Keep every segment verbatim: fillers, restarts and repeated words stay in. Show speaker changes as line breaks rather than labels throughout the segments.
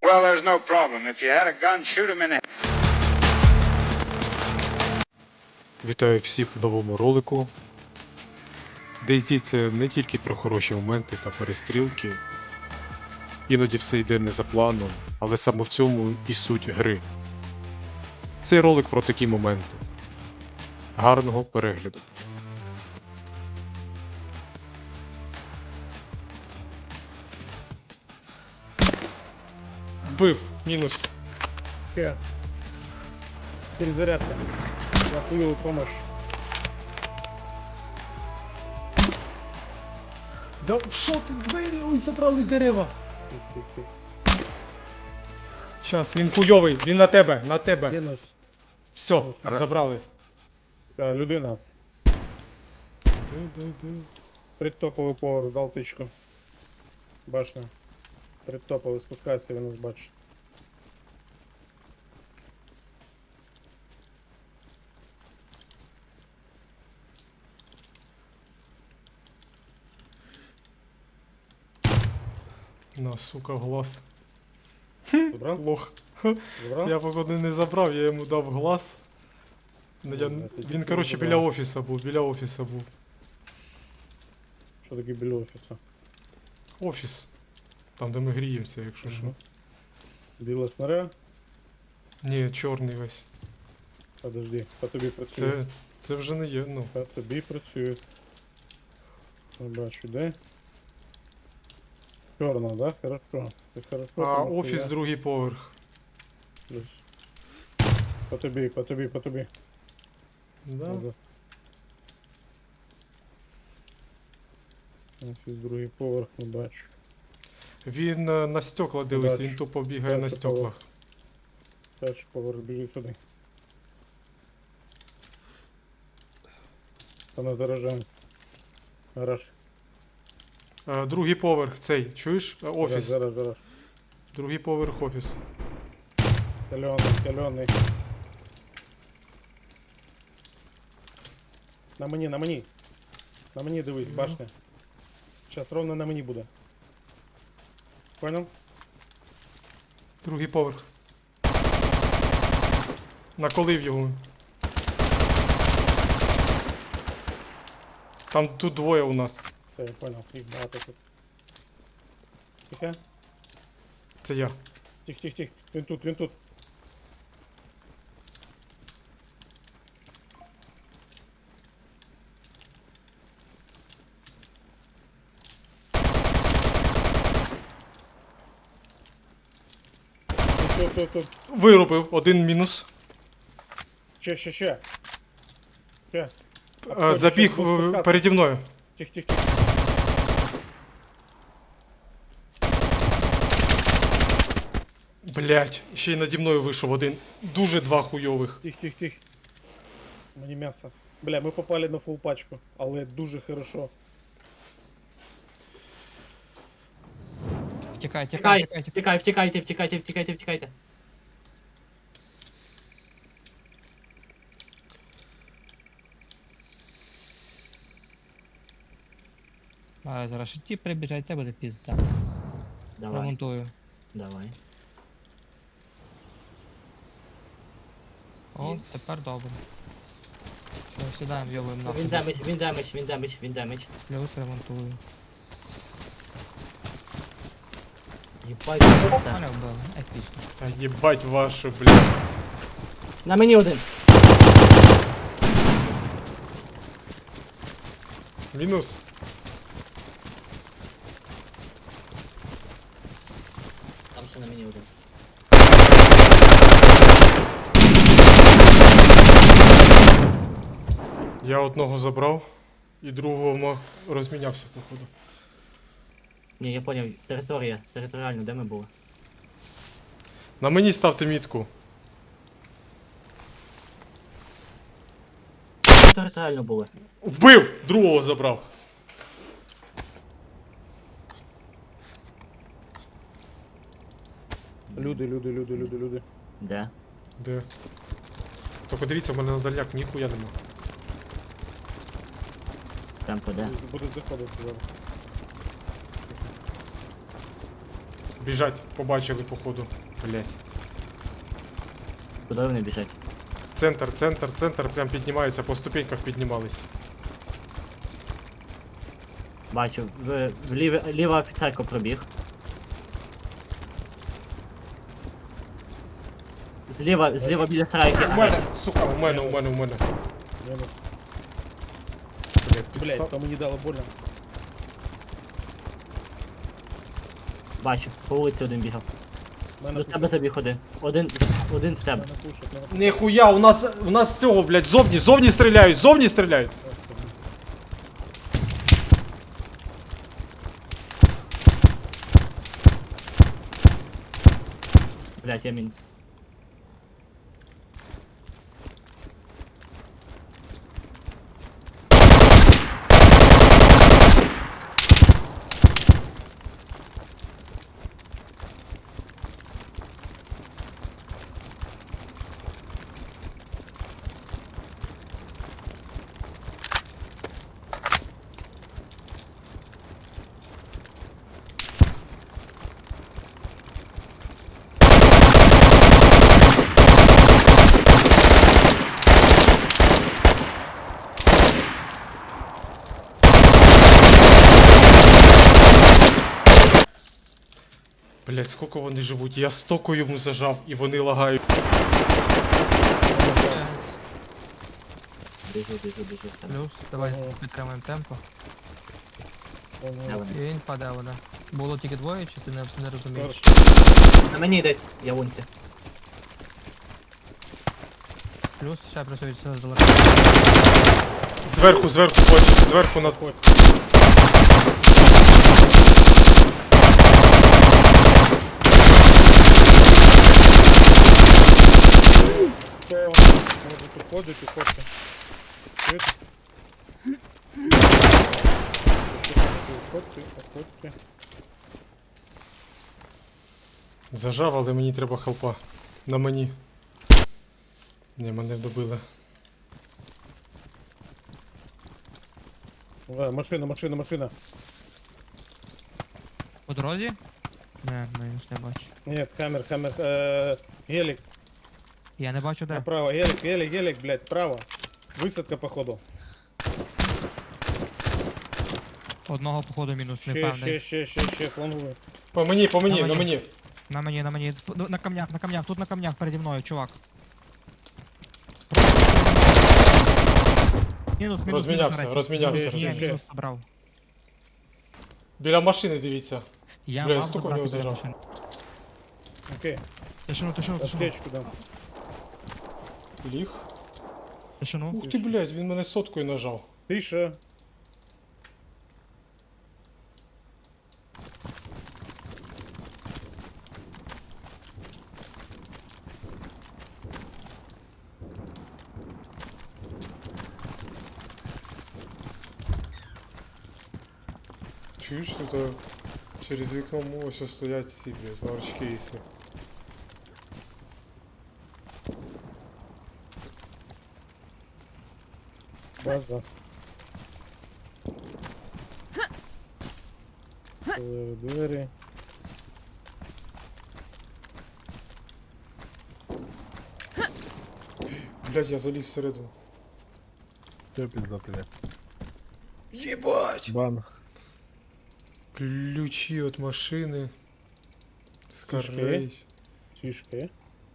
Well, there's no problem. If you had a gun, shoot him in the...
Вітаю всіх в новому ролику. DayZ це не тільки про хороші моменти та перестрілки. Іноді все йде не за планом, але саме в цьому і суть гри. Цей ролик про такі моменти. Гарного перегляду.
Вбив, мінус. Хе. Перезарядка. Я хуёвый помощь. Да що ти двері? Ой, забрали дерева. Щас, він хуйовий, він на тебе, на тебе.
Мінус.
Все, забрали.
Та, людина. Предтоповий поверх, дав тичку. Башня. Предтоповий, спускайся, він нас бачить.
На, сука, в глаз.
Забрав?
Лох.
Забрав?
Я походу не забрав, я йому дав глаз. Ну, я...
Ну, тоді
Він,
ти
коротше,
забрав.
біля офіса був, біля офіса був.
Що таке біля офісу?
Офіс. Там, де ми гріємося, якщо що.
Мгм. Біла снаря?
Ні, чорний весь.
Подожди, по тобі працює.
Це, це вже не є, ну.
По тобі працює. Не бачу, де? Чорна, да? Хорошо. Ти хорошо.
А
там
офіс
нахуя?
другий поверх.
Плюс. По тобі, по тобі, по тобі.
Да?
Ага. Офіс другий поверх, не бачу.
Він е, на стекла дивиться,
Бачу.
він тупо бігає на
Бачу,
стеклах.
Перший поверх біжить сюди. Та на гаражем. Гараж.
Е, Другий поверх цей, чуєш? Е, Офіс.
Гараж, гараж.
Другий поверх офіс.
Кальоний, кальоний. На мені, на мені. На мені дивись,
Ну.
башня. Зараз ровно на мені буде. Понял?
Другий поверх. Наколив його. Там тут двоє у нас.
Все, я понял. Їх багато тут. Тихо.
Це я.
Тих, тих, тих. Він тут, він тут. Тут, тут, тут.
Вирубив, один мінус.
Ще, ще, ще. Ще.
Е, Забіг
ще
в-
спускатися.
переді мною.
Тих, тих, тих.
Блять, ще й наді мною вийшов один. Дуже два хуйових.
Тих, тих, тих. Мені м'ясо. Бля, ми попали на фул пачку, але дуже хорошо.
Втікай,
Втікай,
втікай, втікай, втікай.
втікай, втікайте, втікайте, втікайте, втікайте.
А, зараз ще ті прибіжать, це буде пізда.
Давай,
Ремонтую.
давай.
О, тепер добре. Все, сідаємо, йовуємо нахуй.
Він демедж, він демедж, він демедж, він демедж.
Плюс ремонтую.
Їбать, що це.
Мене вбили, епічно.
Та їбать вашу, блядь.
На мені один.
Мінус.
Там ще на мені один.
Я одного забрав і другого ма- розмінявся, походу.
Ні, я поняв, територія, територіально, де ми були?
На мені ставте мітку.
Територіально були.
Вбив! Другого забрав.
Люди, люди, люди, люди, люди.
Де?
Де? Тільки дивіться, в мене на дальняк ніхуя нема.
Темпо де?
Будуть заходити зараз.
Біжать, побачили, походу. Блять.
Куди вони біжать?
Центр, центр, центр, прям піднімаються, по ступеньках піднімались.
Бачу, в, в ліве, ліва офіцерка пробіг. Зліва, зліва біля сарайки.
У мене, сука, у мене, у мене, у мене.
Мінус.
Блять,
Блять,
підстав.
по мені дало больно.
Бачу, по вулиці один бігав.
Мене
До тебе
пушать,
забіг один. Один, один в тебе.
мене пушать, мене пушать.
Ніхуя, у нас, у нас з цього, блять, зовні, зовні стріляють, зовні стріляють.
О, все, мінус.
Блять, я мінус.
Блять, скільки вони живуть? Я стоку йому зажав і вони лагають.
Біжу, біжу, біжу. в тебе.
Плюс, давай
Ага.
підтримуємо темпо.
Де
Воно.
вони?
І він паде, вода. Було тільки двоє, чи ти не, не розумієш?
На мені десь, я вунці.
Плюс ще працюють здалека.
Зверху, зверху, хоче, зверху на...
Хто може підходити, підходьте. Чуєте? Підходьте, підходьте.
Зажав, але мені треба хелпа. На мені. Ні, мене добили.
Е, Машина, машина, машина.
По дорозі? Не, мінус не бачу.
Нет, хаммер, хаммер, э, гелик,
Я не бачу де.
направо, гелик, гелик, гелик, блядь, право. Высадка, походу.
Одного походу мінус, не
Ще,
певний.
ще, ще, ще, ще, флангує.
По мені, по мені,
На
на
мені.
мені.
На мені, на мені. П- На камнях, на камнях, тут на камнях переді мною, чувак. Мінус, мінус,
Розмінявся,
мінус,
розмінявся,
Ні,
розмінявся.
мінус забрав.
Біля машини дивіться.
Я
Бля, я
мав
стільки в
забрати
нього
біля
зажав.
машини.
Окей,
Тишину, тишину, тишину.
аптечку дам.
Ліг.
Тишину.
Ух ти, блядь, він мене соткою нажав.
Тише.
Чуєш, тут а, через вікно ось стоять ці, блядь, ларчки і все.
База. Е, Двері.
Блядь, я заліз всередину.
Все пиздато я.
Єбать!
Бан.
Ключі від машини.
Сішки.
Скарей.
Фішки.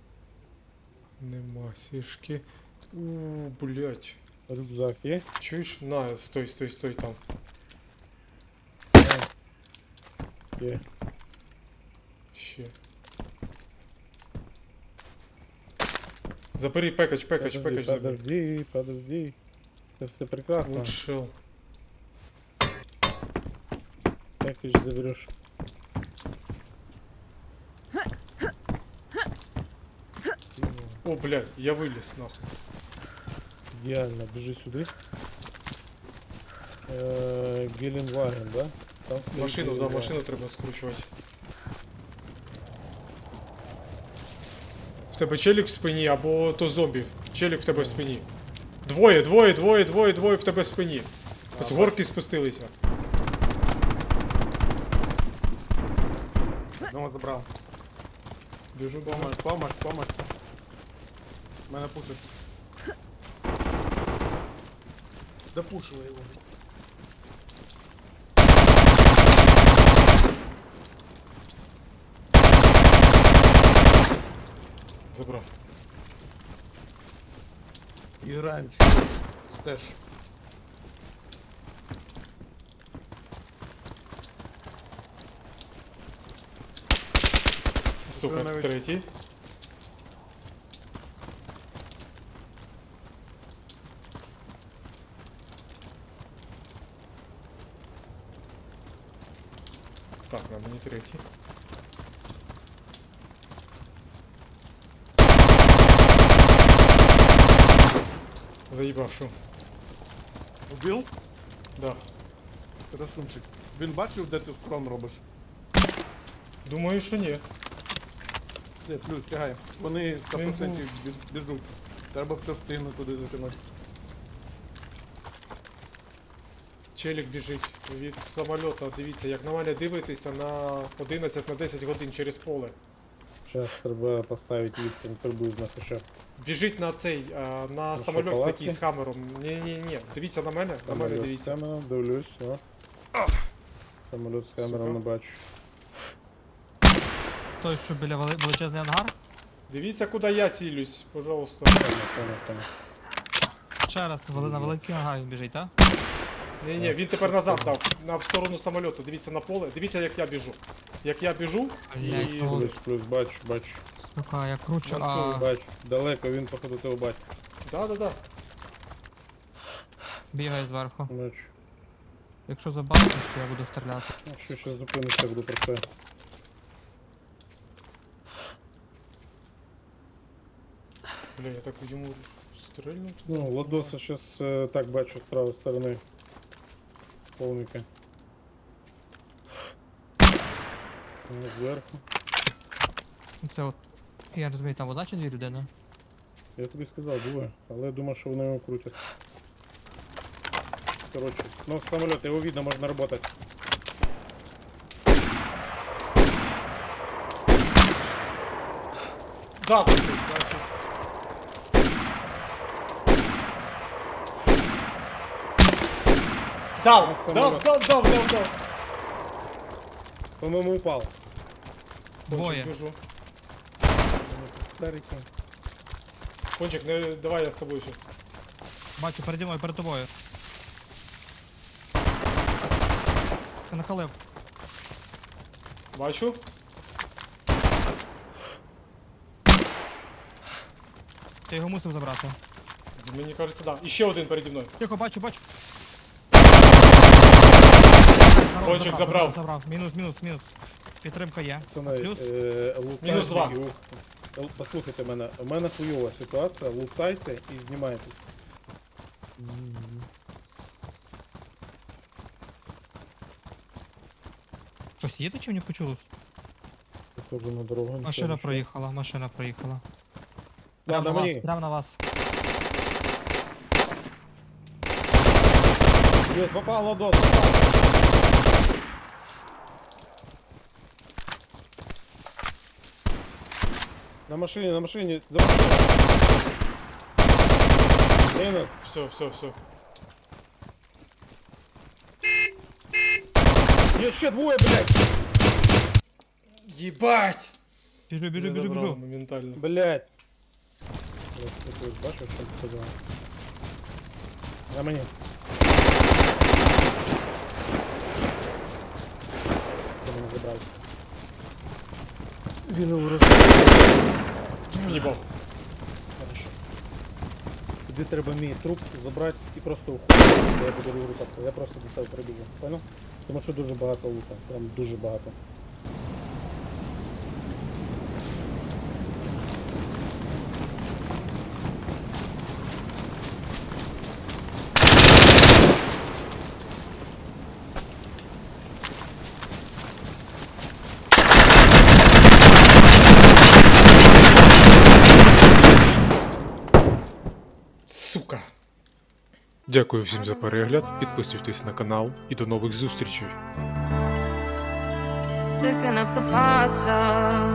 Нема сішки. Ууу, блядь.
Рюкзак є.
Чуєш? На, стой, стой, стой там.
Є.
Ще. Забери пекач, пекач,
Подожди,
пекач забери.
подожди, подожди. Це все прекрасно.
Лучшел.
Пакетч забереш.
О, блядь, я виліз нахуй.
Ідеально, біжи сюди. Е, Геленваген, да? Там стоїть
Машину, да,
Геленваген.
машину треба скручувати. В тебе челік в спині або то зомбі. Челік в тебе в спині. Двоє, двоє, двоє, двоє, двоє в тебе в спині. З горки спустилися.
Одного
забрав.
Біжу, біжу.
Помощь, помощь, помощь. Мене пушить. Допушила його.
Забрав.
І граємо через стеж.
Сука,
навіть-
третій. Так, на мені третій. Заїбав, що?
Убив?
Да.
Красунчик. Він бачив, де ти строн робиш?
Думаю, що ні.
Все, плюс, тягай. Вони сто
Він
відсотків біж- біжуть. Треба все встигнути туди затягнути.
Челік біжить від самольота. Дивіться, як на мене дивитися на одинадцять на десять годин через поле.
Зараз треба поставити відстань приблизно хоча б.
Біжить на цей, а, на самольот
шоколадки?
такий з хамером. Ні-ні-ні, дивіться на мене, на мене
Самоліт з
дивіться.
камером, дивлюсь, о. Самоліт з камером
Сука.
не бачу.
Той, що біля вели- величезний ангар.
Дивіться, куди я цілюсь, пожалуйста.
Понял, понял, понял.
Ще раз, вели- на великий ангар він біжить, так?
Ні-ні, він тепер назад дав, на в сторону самольоту. Дивіться на поле, дивіться, як я біжу. Як я біжу,
Блять,
і...
ну,
Плюс, плюс, бачу, бачу.
сука, я кручу,
Мансур,
а
Бачу. Далеко він, походу, тебе бачить.
Да-да-да.
бігає зверху.
Бачу.
Якщо забачиш, то я буду стріляти.
Якщо ще зупинишся, буду про це.
Бля, я так йому стрельну.
Ну, Ладоса зараз е, так бачу з правої сторони. Повника. Ну, зверху.
Це от. Я розумію, там одна чи дві людини?
Я тобі сказав, двоє, але я думав, що вони його крутять. Коротше, ну самоліт, його видно, можна працювати.
Да, тут, значить. Дав,
Ну,
дав,
самоліт.
дав, дав, дав, дав.
По-моєму, упав.
Двоє.
Кончик, біжу.
Старики.
Кончик, не, давай я з тобою ще.
Бачу, переді мною, перед тобою. Ти накалив.
Бачу.
Ти його мусив забрати.
Мені кажеться, да. І ще один переді мною.
Тихо, бачу, бачу.
Кончик забрав.
Забрав. Мінус, мінус, мінус. Підтримка є.
Пацани,
Плюс.
е, лутайте
Мінус два.
і ух- Л- Послухайте мене, у мене хуйова ситуація, лутайте і знімайтесь.
Щось їде чи не почулось?
Я теж на дорогу. нічого
Машина
не чую.
проїхала, машина проїхала.
Да,
Прямо
на
на вас,
мені.
прямо на вас.
Есть, попал Ладос, попал. На машине, на машине, за машиной. Минус.
Все, все, все.
Еще двое, блядь.
Єбать!
Біжу, біжу,
Я
біжу,
забрав
біжу.
моментально.
Блядь. Вот, ты бачишь, что показалось. На мне. Це мене забрали. Він його розбив.
Їбав.
Хорошо. Тобі треба мій труп забрати і просто уходити, я буду рухатися. Я просто до тебе прибіжу. Понял? Тому що дуже багато лута. Прям дуже багато.
Сука.
Дякую всім за перегляд, підписуйтесь на канал і до нових зустрічей.
picking up the parts of